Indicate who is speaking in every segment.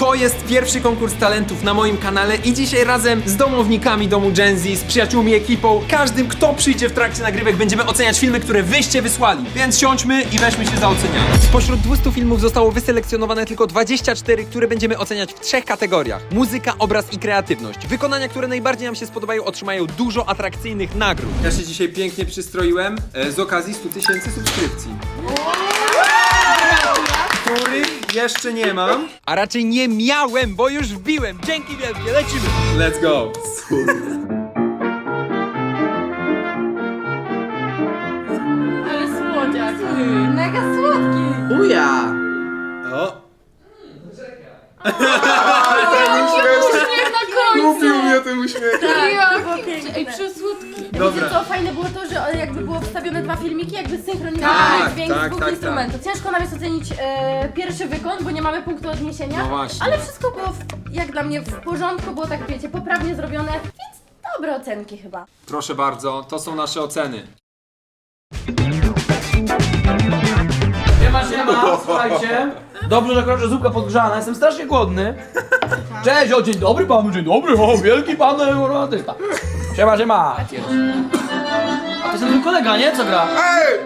Speaker 1: To jest pierwszy konkurs talentów na moim kanale i dzisiaj razem z domownikami domu Gen Z, z przyjaciółmi, ekipą, każdym, kto przyjdzie w trakcie nagrywek, będziemy oceniać filmy, które wyście wysłali. Więc siądźmy i weźmy się za ocenianie. Spośród 200 filmów zostało wyselekcjonowane tylko 24, które będziemy oceniać w 3 kategoriach. Muzyka, obraz i kreatywność. Wykonania, które najbardziej nam się spodobają, otrzymają dużo atrakcyjnych nagród. Ja się dzisiaj pięknie przystroiłem z okazji 100 000 subskrypcji. Których jeszcze nie mam. A raczej nie miałem, bo już wbiłem. Dzięki wielkie, lecimy. Let's go.
Speaker 2: Ale słodziak. Mega słodki.
Speaker 3: Buja!
Speaker 1: O.
Speaker 2: Uśmiech na końcu.
Speaker 4: Kupił mnie ten uśmiech.
Speaker 2: Ej, przesłodki.
Speaker 1: Dobra.
Speaker 2: Wiecie co, fajne było to, że jakby było wstawione 2 filmiki, jakby synchronizowane
Speaker 1: Tak,
Speaker 2: dźwięk
Speaker 1: tak,
Speaker 2: z 2
Speaker 1: tak,
Speaker 2: instrumentów. Ciężko nam jest ocenić pierwszy wykon, bo nie mamy punktu odniesienia.
Speaker 1: No właśnie.
Speaker 2: Ale wszystko było, jak dla mnie, w porządku, było tak, wiecie, poprawnie zrobione, więc dobre ocenki chyba.
Speaker 1: Proszę bardzo, to są nasze oceny.
Speaker 3: Siema, słuchajcie. Dobrze, że akurat, że zupka podgrzana, jestem strasznie głodny. Cześć, o dzień dobry panu, dzień dobry, o wielki pan artysta. Siema, siema. A to jest ten kolega, nie? Co gra?
Speaker 4: Ej!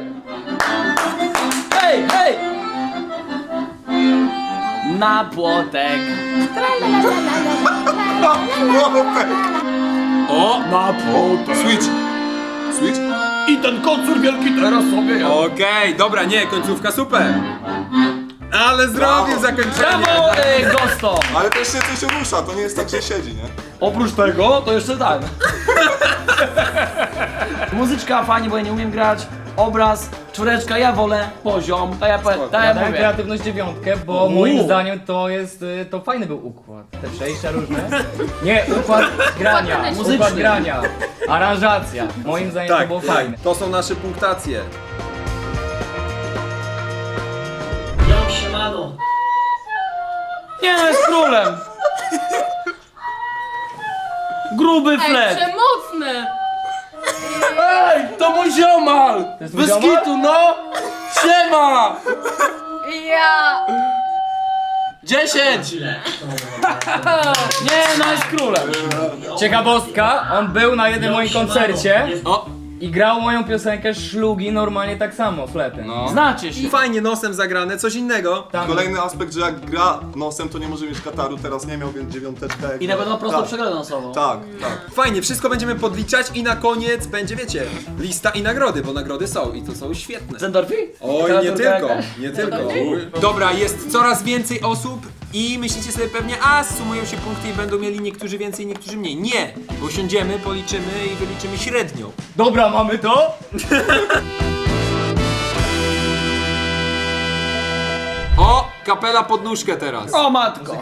Speaker 3: Hej, hej! Na płotek.
Speaker 1: O!
Speaker 3: Na płotek.
Speaker 4: Switch! Switch?
Speaker 3: I ten kocur wielki teraz sobie ja.
Speaker 1: Okej, dobra, nie, końcówka super. Ale zrobił
Speaker 4: Brawo.
Speaker 1: zakończenie.
Speaker 3: Brawo, Gosto!
Speaker 4: Ale też się coś rusza, to nie jest tak, że siedzi, nie?
Speaker 3: Oprócz tego, to jeszcze tak. Muzyczka fajnie, bo ja nie umiem grać. Obraz, 4, ja wolę poziom. To ja
Speaker 5: Dałem
Speaker 3: mówię.
Speaker 5: kreatywność 9, bo moim zdaniem to jest, to fajny był układ. Te przejścia różne. Nie, układ grania,
Speaker 2: Muzyczny.
Speaker 5: układ grania, aranżacja. Moim zdaniem to było fajne.
Speaker 1: To są nasze punktacje.
Speaker 3: Nie no, jest królem. Gruby flet.
Speaker 2: Przemocne!
Speaker 3: Ej, to mój ziomal.
Speaker 5: jest twój
Speaker 3: Bez
Speaker 5: ziomal?
Speaker 3: kitu, no. Siema.
Speaker 2: Ja!
Speaker 3: 10. Nie no, jest królem.
Speaker 5: Ciekawostka, on był na jednym moim koncercie
Speaker 1: O,
Speaker 5: i grał moją piosenkę Szlugi normalnie tak samo, fletem.
Speaker 1: no.
Speaker 3: Znacie się.
Speaker 1: Fajnie nosem zagrane, coś innego.
Speaker 5: Tam,
Speaker 4: Kolejny aspekt, że jak gra nosem, to nie może mieć kataru, teraz nie miał, więc 9.
Speaker 3: I na pewno prosto
Speaker 4: tak,
Speaker 3: przegraną nosową.
Speaker 4: tak, tak.
Speaker 1: Fajnie, wszystko będziemy podliczać i na koniec będzie, wiecie, lista i nagrody, bo nagrody są i to są świetne.
Speaker 3: Zendorfi?
Speaker 1: Oj, nie tylko, nie tylko. Dobra, jest coraz więcej osób i myślicie sobie pewnie, a sumują się punkty i będą mieli niektórzy więcej, niektórzy mniej. Nie, bo siądziemy, policzymy i wyliczymy średnią.
Speaker 5: Dobra, mamy to?
Speaker 1: O, kapela pod nóżkę teraz.
Speaker 3: O matko.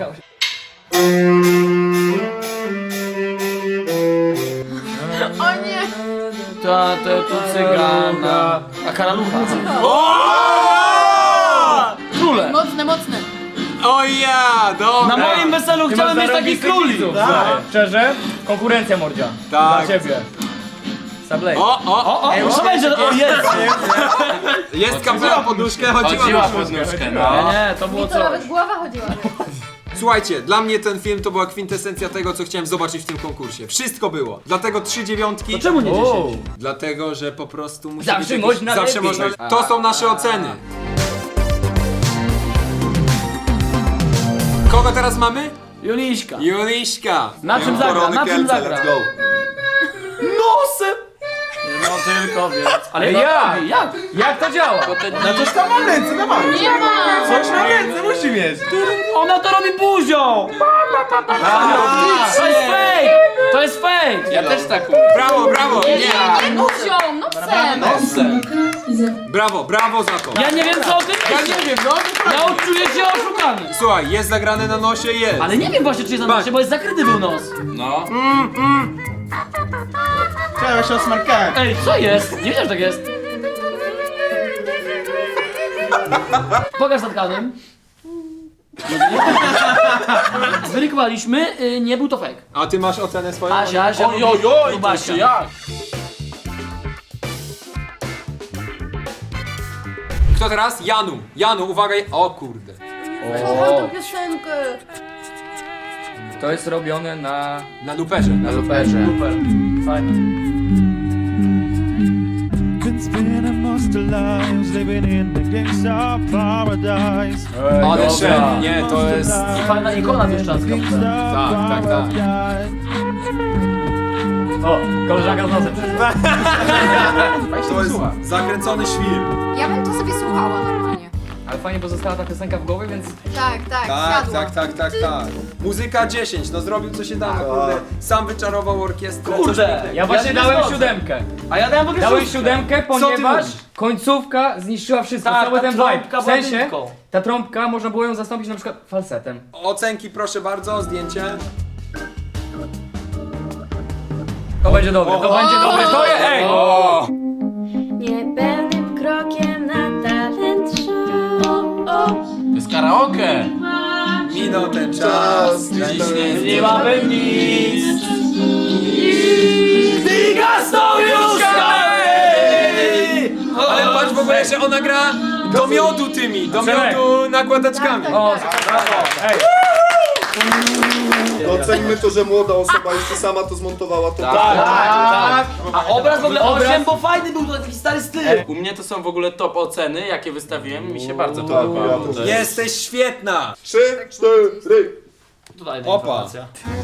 Speaker 2: O nie!
Speaker 3: To cygana. A karalucha. Królem.
Speaker 2: Mocne, mocne!
Speaker 1: O ja, dobra.
Speaker 3: Na moim weselu
Speaker 5: Ty
Speaker 3: chciałem
Speaker 5: masz
Speaker 3: mieć takich
Speaker 5: zarąbistych
Speaker 3: króli.
Speaker 5: widzów, słuchaj. Szczerze, konkurencja mordzia.
Speaker 1: Tak.
Speaker 5: Dla ciebie. Sablej.
Speaker 1: O,
Speaker 3: Co będzie? O jest.
Speaker 1: jest kapela pod nóżkę, chodziła pod nóżkę.
Speaker 3: Nie, to było
Speaker 2: Mi to
Speaker 3: coś.
Speaker 2: nawet głowa chodziła.
Speaker 1: Słuchajcie, dla mnie ten film to była kwintesencja tego, co chciałem zobaczyć w tym konkursie. Wszystko było. Dlatego 3 dziewiątki.
Speaker 3: To czemu nie 10?
Speaker 1: Dlatego, że po prostu musi
Speaker 5: Zawsze
Speaker 1: być jakiś-
Speaker 5: można
Speaker 1: zawsze
Speaker 5: lepiej.
Speaker 1: można. To są nasze oceny. Kogo teraz mamy?
Speaker 3: Juliśka.
Speaker 1: Juliśka.
Speaker 3: Na czym
Speaker 4: Miałem
Speaker 3: zagra?
Speaker 4: korony
Speaker 3: Na czym
Speaker 4: Kielce,
Speaker 3: zagra?
Speaker 4: let's go.
Speaker 3: Nosem! No tylko więc. Ale
Speaker 5: Jak?
Speaker 3: Jak?
Speaker 5: Jak to działa?
Speaker 4: No coś tam mam ręce, dawaj.
Speaker 2: Nie ma!
Speaker 4: Coś na ręce musi mieć.
Speaker 3: Ona to robi buzią! To jest fake! To jest fake! Ja też tak.
Speaker 1: Brawo, brawo. Nie.
Speaker 2: Nie buzią, nosem!
Speaker 3: Nosem.
Speaker 1: Brawo za to.
Speaker 3: Ja nie wiem co o tym myślisz.
Speaker 1: Ja nie wiem, no.
Speaker 3: Ja czuję się oszukany.
Speaker 1: Słuchaj, jest zagrane na nosie, jest.
Speaker 3: Ale nie wiem właśnie czy jest na nosie, bo jest zakryty był nos. No.
Speaker 4: Ja się osmarkałem.
Speaker 3: Ej, co jest? Nie wiedziałem, że tak jest. Pokaż zatkanym. Zweryfikowaliśmy, nie był to fake.
Speaker 1: A ty masz ocenę swoją?
Speaker 3: Asia, Basia.
Speaker 4: jak?
Speaker 1: Kto teraz? Janu. Janu, uwaga. O kurde.
Speaker 2: Kocham tą piosenkę.
Speaker 5: To jest robione na
Speaker 1: luperze.
Speaker 5: luperze.
Speaker 3: Super. Fajne.
Speaker 6: Been spending most of lives living in the gangsta paradise.
Speaker 1: Ale
Speaker 5: dobra.
Speaker 1: szef, nie, to jest...
Speaker 3: Fajna ikona mieszczanska.
Speaker 1: tak.
Speaker 5: O, koleżanka z nosem przyszła.
Speaker 4: To jest zakręcony świr.
Speaker 7: Ja bym to sobie słuchała normalnie.
Speaker 5: Ale fajnie, bo została ta piosenka w głowie, więc
Speaker 7: Tak, siadła.
Speaker 1: Tak. Muzyka 10, no zrobił co się da, no kurde. Sam wyczarował orkiestrę. coś
Speaker 3: Kurde.
Speaker 1: pięknego.
Speaker 5: ja właśnie
Speaker 3: nie
Speaker 5: dałem
Speaker 3: zgodzę.
Speaker 5: 7.
Speaker 3: A ja dałem w ogóle
Speaker 5: Dałem
Speaker 3: szóstkę.
Speaker 5: 7,
Speaker 1: ty
Speaker 5: ponieważ
Speaker 1: mówisz?
Speaker 5: końcówka zniszczyła wszystko,
Speaker 3: Tak,
Speaker 5: cały
Speaker 3: ta
Speaker 5: ten vibe.
Speaker 3: trąbka
Speaker 5: W sensie,
Speaker 3: była dymką.
Speaker 5: ta trąbka można było ją zastąpić na przykład falsetem.
Speaker 1: Ocenki proszę bardzo, zdjęcie.
Speaker 5: To będzie dobre, to będzie dobre, to jest, ej!
Speaker 2: Niepewnym krokiem na talent show.
Speaker 3: To jest karaoke.
Speaker 1: Minął ten czas, dziś
Speaker 3: Nie mamy nic. Diga sojuszka!
Speaker 1: Ale patrz w ogóle, że ona gra do miodu tymi, do miodu nakładaczkami.
Speaker 5: O, brawo, ej!
Speaker 4: Doceńmy to, że młoda osoba jeszcze sama to zmontowała. To
Speaker 3: Tak. A obraz w ogóle
Speaker 5: Obraz-
Speaker 3: 8, bo fajny był, to taki stary styl.
Speaker 8: U mnie to są w ogóle top oceny, jakie wystawiłem, mi się bardzo
Speaker 4: Tak,
Speaker 8: podobało.
Speaker 4: ja też.
Speaker 1: Jesteś świetna!
Speaker 4: 3, 4.
Speaker 3: Tutaj
Speaker 1: Opa.
Speaker 3: informacja.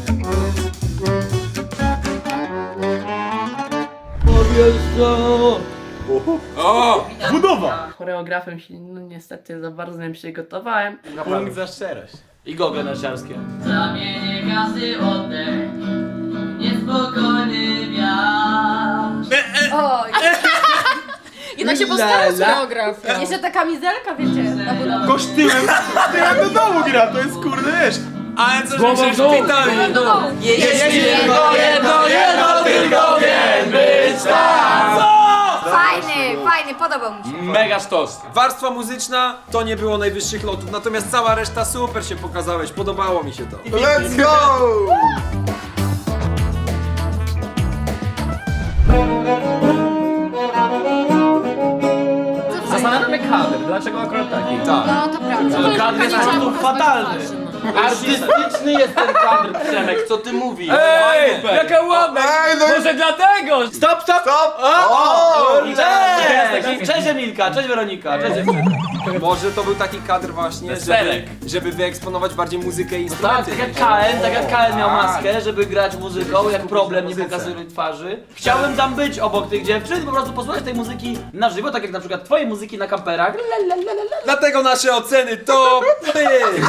Speaker 1: O!
Speaker 9: Choreografem się no niestety za bardzo nie przygotowałem.
Speaker 8: Punkt za szczerość.
Speaker 3: I gogle narciarskie.
Speaker 9: Zamienię gazy oddech, niespokojny wiatr.
Speaker 2: Oj,
Speaker 7: Jednak się postarał z choreografią.
Speaker 2: jeszcze ta kamizelka, wiecie, na budowę.
Speaker 4: Kosztyłem. To jak do domu gra, to jest kurde, wiesz.
Speaker 1: Ale co,
Speaker 5: Głową
Speaker 1: że
Speaker 5: w dół.
Speaker 1: szpitali!
Speaker 3: Jeśli jedno tylko wiem być tam.
Speaker 7: Fajny, podobał mi się.
Speaker 8: Mega sztos.
Speaker 1: Warstwa muzyczna to nie było najwyższych lotów, natomiast cała reszta super się pokazałeś, podobało mi się to.
Speaker 4: Let's go!
Speaker 5: Zastanawiam się kadr, dlaczego akurat taki?
Speaker 1: Tak.
Speaker 7: No to prawda.
Speaker 3: Kadr jest po prostu fatalny.
Speaker 8: Artystyczny jest ten kadr, Przemek, co ty mówisz?
Speaker 5: Ej, jaka ładna!
Speaker 4: Ej, no i...
Speaker 5: Może dlatego!
Speaker 3: Stop!
Speaker 4: Stop! O!
Speaker 3: Cześć Emilka, cześć Weronika, cześć dziewczyny.
Speaker 1: Może to był taki kadr właśnie,
Speaker 8: Weselek.
Speaker 1: żeby wyeksponować bardziej muzykę i
Speaker 3: Tak,
Speaker 1: instrumenty.
Speaker 3: tak jak KN miał maskę, żeby grać muzyką, jak problem nie pokazuje twarzy. Chciałbym tam być obok tych dziewczyn i po prostu posłuchać tej muzyki na żywo, tak jak na przykład twojej muzyki na kamperach.
Speaker 1: Dlatego nasze oceny to ty!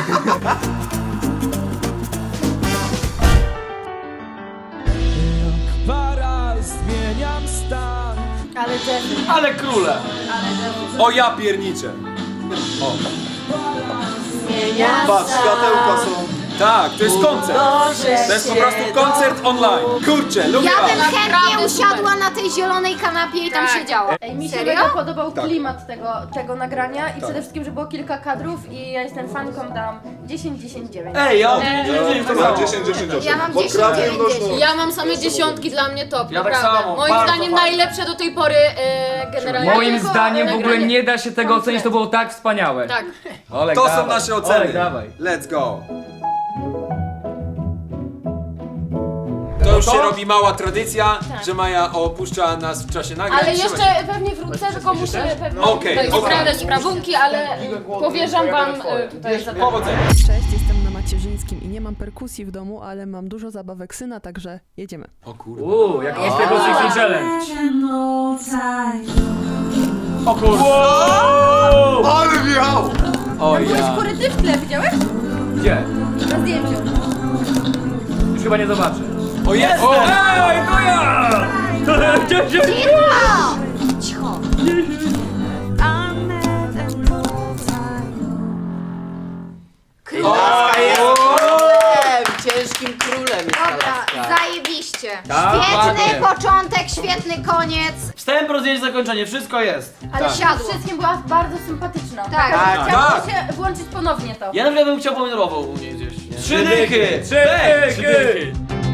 Speaker 6: Para, zmieniam stan.
Speaker 2: Ale Jeffy.
Speaker 3: Ale króle!
Speaker 1: O ja pierniczę.
Speaker 4: Patrz, światełka są.
Speaker 1: Tak, to jest koncert. To jest po prostu koncert online. Kurczę, lubię
Speaker 7: Ja
Speaker 1: was.
Speaker 7: bym chętnie usiadła na tej zielonej kanapie i tam siedziała.
Speaker 2: Ej, mi się
Speaker 7: Serio?
Speaker 2: mega podobał klimat tego nagrania i przede wszystkim, że było kilka kadrów i ja jestem fanką, dam 10-10-9.
Speaker 3: Ej, ja to
Speaker 4: Ja
Speaker 3: samo.
Speaker 4: 10, 10, 8.
Speaker 7: Ja mam
Speaker 4: Bo
Speaker 7: 10,
Speaker 4: kreatywność,
Speaker 7: 9,
Speaker 4: no.
Speaker 7: Ja mam same dziesiątki, dla mnie top,
Speaker 3: Ja tak
Speaker 7: naprawdę.
Speaker 3: samo,
Speaker 7: Moim
Speaker 3: bardzo
Speaker 7: zdaniem
Speaker 3: fajnie.
Speaker 7: najlepsze do tej pory generalnie.
Speaker 5: Moim
Speaker 7: Tylko
Speaker 5: zdaniem w ogóle
Speaker 7: nagranie.
Speaker 5: nie da się tego ocenić, to było tak wspaniałe.
Speaker 7: Tak.
Speaker 5: Olek,
Speaker 1: To
Speaker 5: dawaj.
Speaker 1: są nasze oceny.
Speaker 5: Olek, dawaj.
Speaker 1: Let's go. To już się robi mała tradycja, że Maja opuszcza nas w czasie nagrań.
Speaker 10: Ale
Speaker 1: Trzymaj
Speaker 10: jeszcze
Speaker 1: się.
Speaker 10: pewnie wrócę, tylko muszę pewnie
Speaker 1: Okej,
Speaker 10: tutaj
Speaker 1: okej.
Speaker 10: sprawę sprawunki, ale powierzam wam tutaj za
Speaker 1: Powodzenia.
Speaker 11: Cześć, jestem na Macierzyńskim i nie mam perkusji w domu, ale mam dużo zabawek syna, także jedziemy.
Speaker 1: O kurde.
Speaker 5: Jak jest tego Sexy Challenge.
Speaker 3: O kurde.
Speaker 4: Ale wjechał!
Speaker 1: O
Speaker 2: Były
Speaker 1: ja.
Speaker 2: skóry ty w tle, widziałeś?
Speaker 5: Gdzie?
Speaker 2: Na zdjęciu.
Speaker 5: Już chyba nie zobaczę.
Speaker 1: O jest! O!
Speaker 5: Ej, to ja!
Speaker 7: Cicho!
Speaker 9: Ciężkim królem
Speaker 7: Dobra, zajebiście.
Speaker 5: Tak,
Speaker 7: Świetny
Speaker 5: ładnie.
Speaker 7: początek, świetny koniec.
Speaker 3: Wstęp, rozdzielenie, zakończenie, wszystko jest.
Speaker 2: Ale
Speaker 7: Tak.
Speaker 2: przede wszystkim była bardzo sympatyczna.
Speaker 7: Tak.
Speaker 2: Taka, że
Speaker 1: Tak.
Speaker 2: chciałabym się włączyć ponownie to.
Speaker 3: Ja na przykład bym chciał pomidorową u niej gdzieś. Nie? 3 dychy!
Speaker 5: Trzy dychy!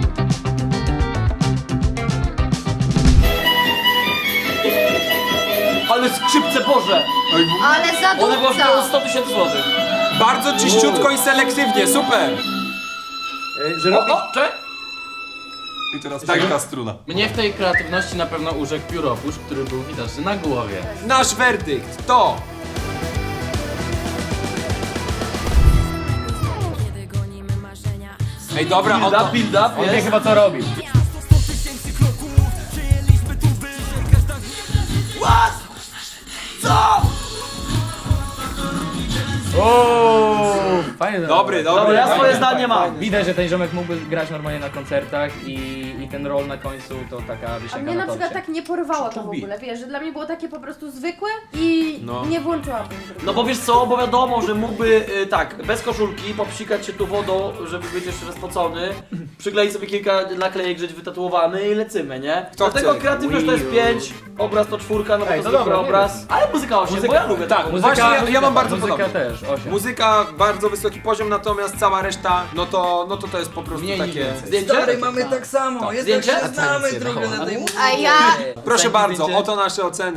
Speaker 3: Ale skrzypce Boże!
Speaker 7: Ale
Speaker 3: One były
Speaker 7: zadupca.
Speaker 3: w 100 000 złotych.
Speaker 1: Bardzo czyściutko i selektywnie, super!
Speaker 5: Że robi...
Speaker 4: I teraz taka struna.
Speaker 8: Mnie w tej kreatywności na pewno urzekł pióropusz, który był widoczny na głowie.
Speaker 1: Nasz werdykt to... Ej, dobra, on to...
Speaker 3: Build up,
Speaker 5: On wie
Speaker 3: jest.
Speaker 5: chyba co robi. Ooo, fajnie.
Speaker 1: Dobry.
Speaker 3: Dobra, ja swoje zdanie mam.
Speaker 5: Widać, że ten ziomek mógłby grać normalnie na koncertach i ten roll na końcu to taka
Speaker 2: A
Speaker 5: wisienka
Speaker 2: mnie
Speaker 5: na
Speaker 2: na przykład
Speaker 5: torcie.
Speaker 2: tak nie porwało to w ogóle, wiesz, że dla mnie było takie po prostu zwykłe i nie włączyłabym drugiego.
Speaker 3: No bo wiesz co, bo wiadomo, że mógłby tak, bez koszulki, popsikać się tu wodą, żeby być jeszcze raz spocony, przykleić sobie kilka naklejek, żyć wytatuowany i lecymy, nie?
Speaker 1: Kto
Speaker 3: Dlatego
Speaker 1: chce?
Speaker 3: kreatywność to jest 5, obraz to 4, no bo to
Speaker 5: Ej, to
Speaker 3: zwykły
Speaker 5: dobra,
Speaker 3: obraz. Ale muzyka 8, bo ja lubię tak.
Speaker 1: Właśnie ja mam bardzo
Speaker 5: muzyka
Speaker 1: podobnie.
Speaker 5: też, 8.
Speaker 1: Muzyka bardzo wysoki poziom, natomiast cała reszta, no to jest po prostu takie...
Speaker 3: Zdjęcie?
Speaker 5: mamy tak samo,
Speaker 3: Zdjęcie?
Speaker 5: znamy trochę na tej
Speaker 7: A ja...
Speaker 1: Proszę bardzo, oto nasze oceny.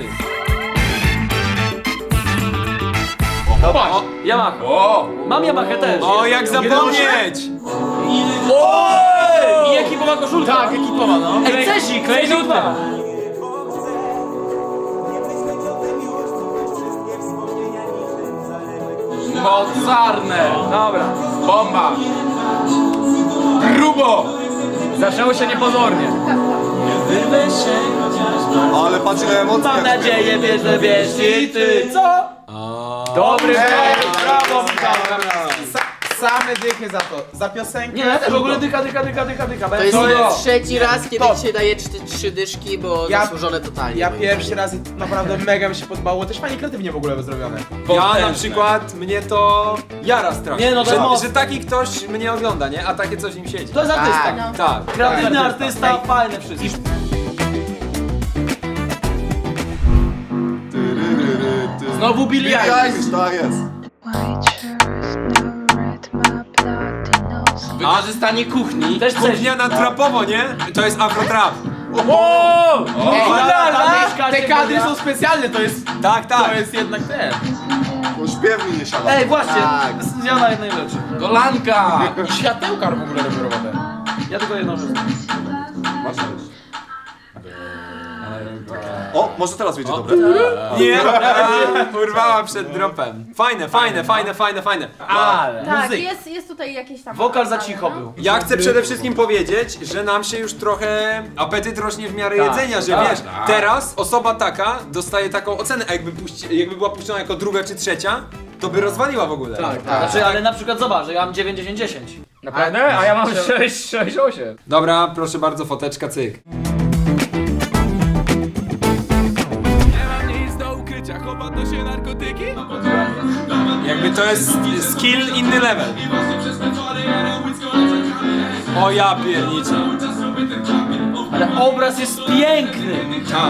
Speaker 3: O, Yamaha. Mam Yamaha też.
Speaker 1: O, jak zapomnieć!
Speaker 3: I ekipowa koszulka.
Speaker 5: Tak, ekipowa, no.
Speaker 3: Ej, Cesik, Cesik 2.
Speaker 8: Mocarne!
Speaker 3: Dobra.
Speaker 8: Bomba! Grubo!
Speaker 5: Zaczęło się niepozornie.
Speaker 4: Ale patrz ile emocji.
Speaker 3: Mam nadzieję, wiesz i ty. Co?
Speaker 5: Dobry
Speaker 3: Brawo, Michał.
Speaker 8: Same dychy za to. Za piosenkę.
Speaker 3: Nie, ja też w ogóle dycha.
Speaker 8: To jest
Speaker 12: trzeci raz, kiedy ci się daje 3 dyszki, bo zasłużone totalnie.
Speaker 8: Ja pierwszy raz i naprawdę mega mi się podobało. Też fajnie kreatywnie w ogóle zrobione.
Speaker 1: Ja na przykład, mnie to jara strasznie,
Speaker 3: Nie, no to
Speaker 1: że,
Speaker 3: mocno.
Speaker 1: że taki ktoś mnie ogląda, nie? A takie coś w nim siedzi.
Speaker 3: To jest artysta.
Speaker 12: Tak.
Speaker 2: No.
Speaker 1: Tak.
Speaker 3: Kreatywny artysta, fajne wszystko.
Speaker 8: Znowu Billie
Speaker 4: Billie
Speaker 8: Eilish.
Speaker 4: Eilish, tak jest.
Speaker 8: Wykorzystanie kuchni.
Speaker 3: Też coś.
Speaker 1: Kuchnia na trapowo, nie? To jest afrotrap.
Speaker 8: Te kadry są specjalne, to jest
Speaker 1: Tak.
Speaker 8: jednak ten.
Speaker 4: On śpiewni nie siada.
Speaker 3: Ej, właśnie,
Speaker 12: Tak.
Speaker 3: zmiana jednej rzeczy.
Speaker 8: Golanka! I światełka w ogóle robią robotę.
Speaker 3: Ja tylko jedną rzecz.
Speaker 4: Masz też. O, może teraz wyjdzie dobre.
Speaker 1: Nie, urwała przed dropem. Fajne.
Speaker 3: Ale.
Speaker 2: Tak,
Speaker 3: Muzyka.
Speaker 2: jest tutaj jakieś tam...
Speaker 3: Wokal za
Speaker 2: wokale,
Speaker 3: cicho
Speaker 2: no.
Speaker 3: był.
Speaker 1: Ja chcę przede wszystkim powiedzieć, że nam się już trochę apetyt rośnie w miarę jedzenia, że wiesz, teraz osoba taka dostaje taką ocenę, a jakby była puszczona jako druga czy trzecia, to by rozwaliła w ogóle.
Speaker 3: Tak. Znaczy, ale na przykład zobacz, że ja mam 9-10-10.
Speaker 5: Naprawdę? A ja mam 6, 8.
Speaker 1: Dobra, proszę bardzo, foteczka, cyk. Jakby to jest skill inny level. O ja pierniczę.
Speaker 3: Ale obraz jest piękny.
Speaker 1: Tak.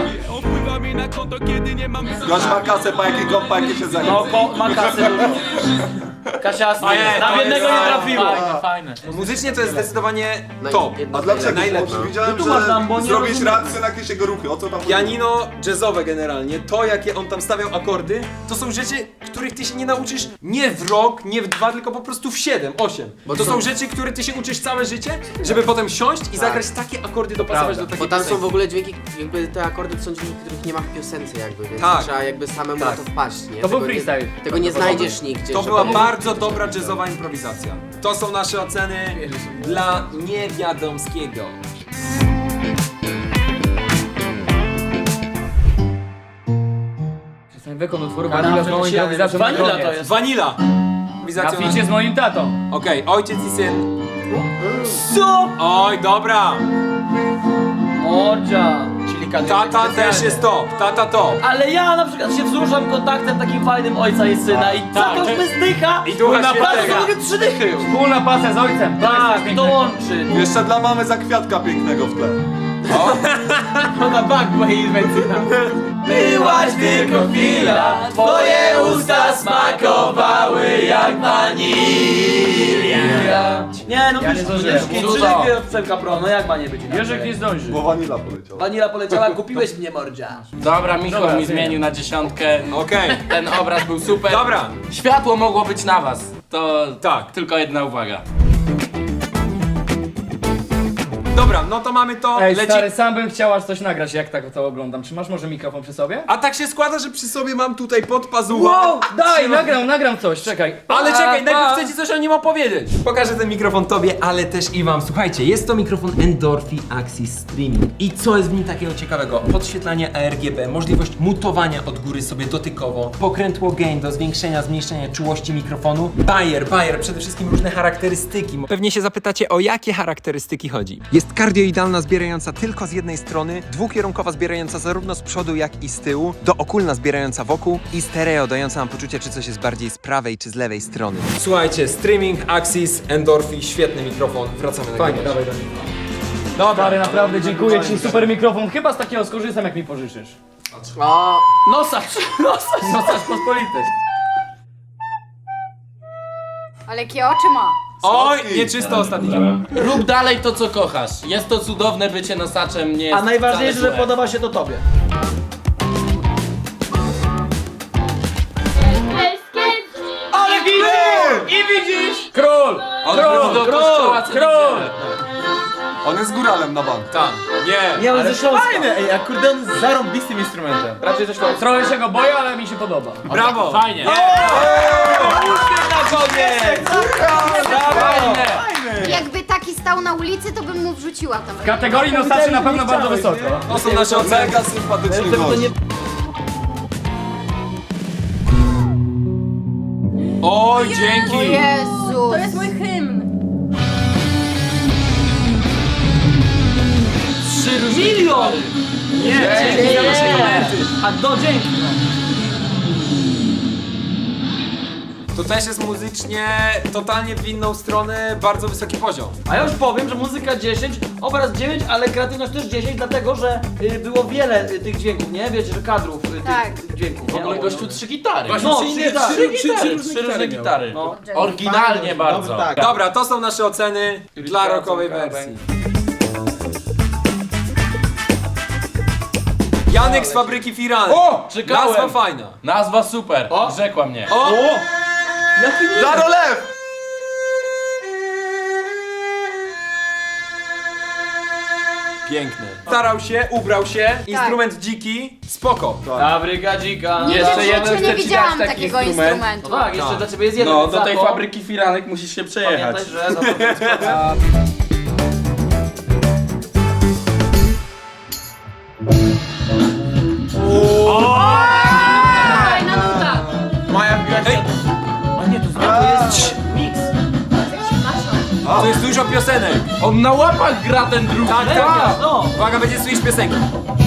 Speaker 4: Gość ma kasę, pa jakie się zajmie.
Speaker 3: No, ma kasę dużo. Kasiasty.
Speaker 1: Nie,
Speaker 3: Na
Speaker 1: to
Speaker 3: jednego
Speaker 1: jest
Speaker 3: nie trafiło.
Speaker 5: Fajne.
Speaker 1: Muzycznie to jest zdecydowanie top.
Speaker 4: A dlaczego?
Speaker 1: Najlepsze.
Speaker 4: Bo widziałem,
Speaker 3: Wytłumacz nam, bo
Speaker 4: że
Speaker 3: nie
Speaker 4: zrobić
Speaker 3: rozumiem.
Speaker 4: reakcję na jakieś jego ruchy. O co tam chodzi?
Speaker 1: Pianino jazzowe generalnie, to jakie on tam stawiał akordy, to są rzeczy, których ty się nie nauczysz nie w rok, nie w 2, tylko po prostu w 7, 8. Bo to są rzeczy, które ty się uczysz całe życie, żeby potem siąść i zagrać takie akordy, dopasować do
Speaker 12: Bo
Speaker 1: takiej
Speaker 12: tam są
Speaker 1: piosenki.
Speaker 12: w ogóle dźwięki, jakby te akordy to są dźwięki, których nie ma w piosence jakby, więc
Speaker 1: Tak.
Speaker 12: trzeba jakby samemu na to wpaść, nie?
Speaker 5: To był
Speaker 12: Tego nie-
Speaker 5: freestyle.
Speaker 12: Tego nie znajdziesz nigdzie.
Speaker 1: To
Speaker 12: żeby-
Speaker 1: była bardzo dobra jazzowa improwizacja. To są nasze oceny dla Niewiadomskiego.
Speaker 5: Ten wykon utworu Vanilla z małą improwizacją na
Speaker 3: Vanilla
Speaker 5: koniec.
Speaker 3: to jest.
Speaker 1: Vanilla.
Speaker 5: Na
Speaker 1: Improwizacja
Speaker 5: ficie z moim tatą.
Speaker 1: Okej, ojciec i syn.
Speaker 3: Co?
Speaker 1: Oj, dobra.
Speaker 3: Mordzia.
Speaker 8: Czyli kadry
Speaker 1: Tata też jest top, tata top.
Speaker 3: Ale ja na przykład się wzruszam kontaktem takim fajnym ojca i syna i za to zdycha.
Speaker 1: I Ducha
Speaker 3: na
Speaker 1: Świętego.
Speaker 3: bardzo mogę 3 dychy już.
Speaker 5: Wspólna pasja z ojcem. To jest coś
Speaker 3: Tak,
Speaker 5: pięknego.
Speaker 3: to łączy.
Speaker 4: Jeszcze dla mamy za kwiatka pięknego w tle.
Speaker 8: na bank mojej inwencji.
Speaker 3: Byłaś tylko chwila, twoje usta smakowały jak wanilia. Nie, no
Speaker 5: Ja nie zdążyłem.
Speaker 3: 3
Speaker 8: Dużo.
Speaker 3: dychy od Przemka Pro, no jak ma nie być inaczej?
Speaker 5: Jerzek nie zdąży.
Speaker 4: Bo wanila poleciała.
Speaker 3: Wanila poleciała, kupiłeś mnie mordzia.
Speaker 8: Dobra, Michał
Speaker 5: Dobra,
Speaker 8: mi zmienił na 10.
Speaker 1: Okej.
Speaker 8: Ten obraz był super.
Speaker 1: Dobra.
Speaker 8: Światło mogło być na was. To
Speaker 1: Tak.
Speaker 8: tylko jedna uwaga.
Speaker 1: Dobra, no to mamy to,
Speaker 5: Ej,
Speaker 1: leci...
Speaker 5: stary, sam bym chciał aż coś nagrać, jak tak to oglądam. Czy masz może mikrofon przy sobie?
Speaker 1: A tak się składa, że przy sobie mam tutaj pod pazuchą.
Speaker 5: Wow, daj, nagram coś, czekaj.
Speaker 1: Ale czekaj, najpierw chcę ci coś o nim opowiedzieć. Pokażę ten mikrofon tobie, ale też i wam. Słuchajcie, jest to mikrofon Endorphi Axis Streaming. I co jest w nim takiego ciekawego? Podświetlanie ARGB, możliwość mutowania od góry sobie dotykowo, pokrętło gain do zwiększenia, zmniejszenia czułości mikrofonu. Bayer, przede wszystkim różne charakterystyki. Pewnie się zapytacie, o jakie charakterystyki chodzi. Jest kardioidalna, zbierająca tylko z jednej strony, dwukierunkowa, zbierająca zarówno z przodu, jak i z tyłu, dookulna, zbierająca wokół i stereo, dająca nam poczucie, czy coś jest bardziej z prawej, czy z lewej strony. Słuchajcie, Streaming Axis Endorphi, świetny mikrofon. Wracamy na
Speaker 5: Fajnie, dawaj. Dobra, stary, naprawdę dziękuję ci, super mikrofon. Chyba z takiego skorzystam, jak mi pożyczysz.
Speaker 12: O,
Speaker 9: Nosacz pospolity.
Speaker 7: Ale jakie oczy ma?
Speaker 1: Oj, nieczysto ostatni dzień.
Speaker 8: Rób dalej to, co kochasz. Jest to cudowne bycie nosaczem, nie jest
Speaker 3: A najważniejsze,
Speaker 8: wcale
Speaker 3: że
Speaker 8: złe.
Speaker 3: podoba się to tobie.
Speaker 5: Ale widzisz! I widzisz! Król!
Speaker 4: On
Speaker 5: Król!
Speaker 4: do
Speaker 8: kościoła co niedzielę.
Speaker 4: On jest góralem na bank.
Speaker 1: Tam, nie.
Speaker 3: Nie, on ze Śląska.
Speaker 8: Ej, akordeon jest zarąbistym instrumentem.
Speaker 5: Raczej coś trochę się go boję, ale mi się podoba.
Speaker 1: Brawo!
Speaker 8: Fajnie.
Speaker 5: Fajnie!
Speaker 7: Jakby taki stał na ulicy, to bym mu wrzuciła tam.
Speaker 5: W kategorii nosaczy na pewno bardzo wysoko.
Speaker 1: To są nasze oceny.
Speaker 4: Mega sympatyczny gość.
Speaker 1: Oj,
Speaker 7: O
Speaker 1: dzięki!
Speaker 7: Jezu!
Speaker 2: To jest mój hymn.
Speaker 8: 3 milion!
Speaker 1: Nie, dzięki za nasze komenty.
Speaker 3: A do dzięki.
Speaker 1: To też jest muzycznie totalnie w inną stronę, bardzo wysoki poziom.
Speaker 3: A ja już powiem, że muzyka 10, obraz 9, ale kreatywność też 10, dlatego że było wiele tych dźwięków, nie? Wiecie, że kadrów
Speaker 7: Tak.
Speaker 3: tych dźwięków.
Speaker 8: W ogóle gościu 3 gitary.
Speaker 3: No, trzy gitary.
Speaker 8: Trzy różne gitary.
Speaker 3: No.
Speaker 8: Oryginalnie bardzo.
Speaker 3: Tak.
Speaker 1: Dobra, to są nasze oceny dla rockowej wersji. Janek z Fabryki Firan.
Speaker 8: O! Czekałem!
Speaker 1: Nazwa fajna.
Speaker 8: Nazwa super. Rzekła mnie.
Speaker 1: O!
Speaker 4: Darolew!
Speaker 1: Piękny. Starał się, ubrał się, instrument dziki, spoko.
Speaker 8: Fabryka dzika.
Speaker 7: Nigdy w życiu nie widziałam takiego instrumentu.
Speaker 3: No tak, jeszcze dla ciebie jest jeden.
Speaker 8: No,
Speaker 3: za
Speaker 8: do tej
Speaker 3: to
Speaker 8: fabryki firanek musisz się przejechać.
Speaker 3: Pamiętaj, że za to
Speaker 10: Fajna nuta.
Speaker 8: Maja
Speaker 1: Ej,
Speaker 3: A nie, to jest mix.
Speaker 1: to jest dużo piosenek.
Speaker 8: On na łapach gra ten drugi.
Speaker 1: Tak, tak.
Speaker 3: No.
Speaker 1: Uwaga, będzie słyszeć piosenkę.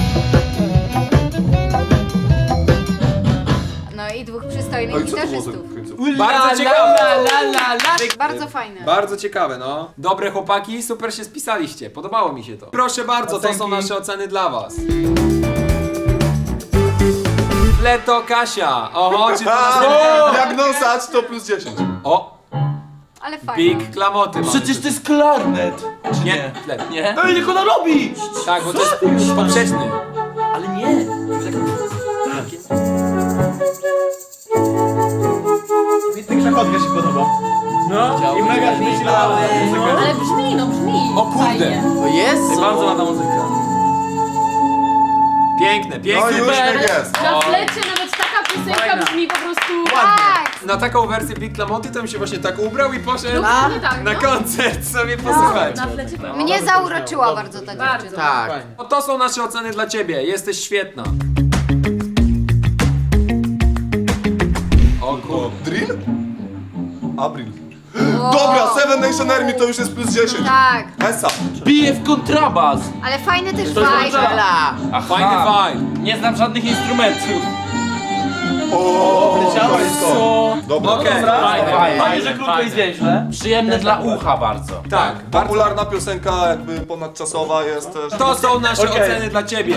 Speaker 7: No i dwóch przystojnych
Speaker 4: Oj, co to było za
Speaker 7: gitarzystów.
Speaker 4: końcówka?
Speaker 1: Bardzo ciekawe.
Speaker 7: Bardzo fajne.
Speaker 1: Bardzo ciekawe, no. Dobre chłopaki, super się spisaliście. Podobało mi się to. Proszę bardzo, to są nasze oceny dla was. Leto Kasia. Oho, czy to nas...
Speaker 4: Jak nosacz to plus 10.
Speaker 1: O,
Speaker 7: Ale fajne.
Speaker 1: big klamoty mamy.
Speaker 8: Przecież to jest klarnet. Czy
Speaker 1: Nie, flet.
Speaker 8: Nie?
Speaker 3: Ej, niech ona robi!
Speaker 1: Tak, bo to jest poprzeczny.
Speaker 3: Ale nie. Tak zachodka się podoba.
Speaker 5: No, i mega myślałem.
Speaker 10: Ale brzmi, no brzmi.
Speaker 1: O kurde.
Speaker 10: Fajnie.
Speaker 12: o Jezu!
Speaker 3: Bardzo ładna muzyka.
Speaker 1: Piękne,
Speaker 4: No
Speaker 1: piękne.
Speaker 4: już tak jest.
Speaker 10: Na flecie nawet taka piosenka brzmi po prostu...
Speaker 7: Tak!
Speaker 1: Na taką wersję Big Klamoty to bym się właśnie tak ubrał i poszedł
Speaker 10: Dokładnie tak,
Speaker 1: na
Speaker 10: no.
Speaker 1: koncert sobie posłuchać.
Speaker 10: Na flecie
Speaker 7: Mnie zauroczyła bardzo ta
Speaker 10: Bardzo.
Speaker 7: dziewczyna.
Speaker 12: Tak.
Speaker 1: No to są nasze oceny dla ciebie. Jesteś świetna. O kurde.
Speaker 4: Drill? Abril. Dobra, Seven Nation Army to już jest plus 10.
Speaker 7: Tak,
Speaker 4: Esa.
Speaker 8: Bije w kontrabas.
Speaker 7: ale fajny też
Speaker 8: To jest
Speaker 7: vibe.
Speaker 12: Ela!
Speaker 1: Fajny vibe.
Speaker 8: Nie znam żadnych instrumentów.
Speaker 4: O,
Speaker 8: Co?
Speaker 4: Dobra.
Speaker 1: Okej.
Speaker 3: Fajnie, że krótko i zwięźle.
Speaker 8: Przyjemne dla ucha bardzo.
Speaker 1: Tak, bardzo.
Speaker 4: Popularna piosenka, jakby ponadczasowa jest też.
Speaker 1: To są nasze oceny dla ciebie.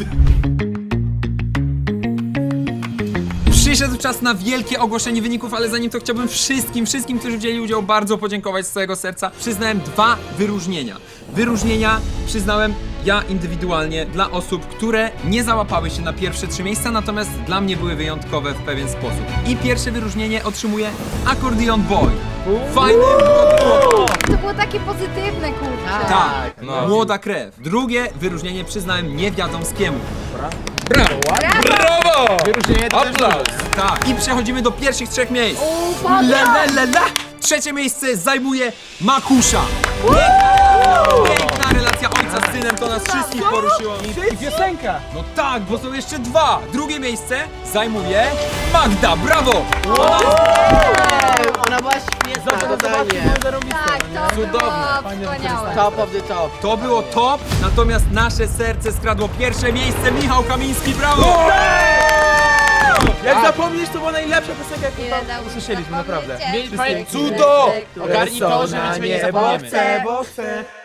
Speaker 1: Przyszedł czas na wielkie ogłoszenie wyników, ale zanim to chciałbym wszystkim, którzy wzięli udział, bardzo podziękować z całego serca. Przyznałem 2 wyróżnienia. Wyróżnienia przyznałem ja indywidualnie dla osób, które nie załapały się na pierwsze 3 miejsca, natomiast dla mnie były wyjątkowe w pewien sposób. I pierwsze wyróżnienie otrzymuje Accordion Boy. Fajny młody.
Speaker 7: To było takie pozytywne, kurczę.
Speaker 1: Tak, młoda krew. Drugie wyróżnienie przyznałem niewiadomskiemu. Brawo! Brawo!
Speaker 3: Wyróżnienie to też
Speaker 1: Aplauz! Tak, i przechodzimy do pierwszych 3 miejsc. Trzecie miejsce zajmuje Makusza. Piękna relacja ojca z synem, to nas wszystkich poruszyło.
Speaker 3: I piosenka.
Speaker 1: No tak, bo są jeszcze 2. Drugie miejsce zajmuje Magda, brawo!
Speaker 12: Ona była świetna, totalnie.
Speaker 7: Tak, to
Speaker 1: Cudowne.
Speaker 7: było wspaniałe.
Speaker 12: Top of the top.
Speaker 1: To było top, natomiast nasze serce skradło pierwsze miejsce. Michał Kamiński, brawo!
Speaker 3: Jak zapomnisz, to była najlepsza piosenka, jaką
Speaker 7: Nie
Speaker 3: tam
Speaker 7: dał mi
Speaker 3: usłyszeliśmy,
Speaker 7: zapomnieć
Speaker 3: naprawdę.
Speaker 7: cię.
Speaker 1: Cudo!
Speaker 8: Ogarnij to, że my ciebie nie zapomniemy.
Speaker 3: Bo chcę.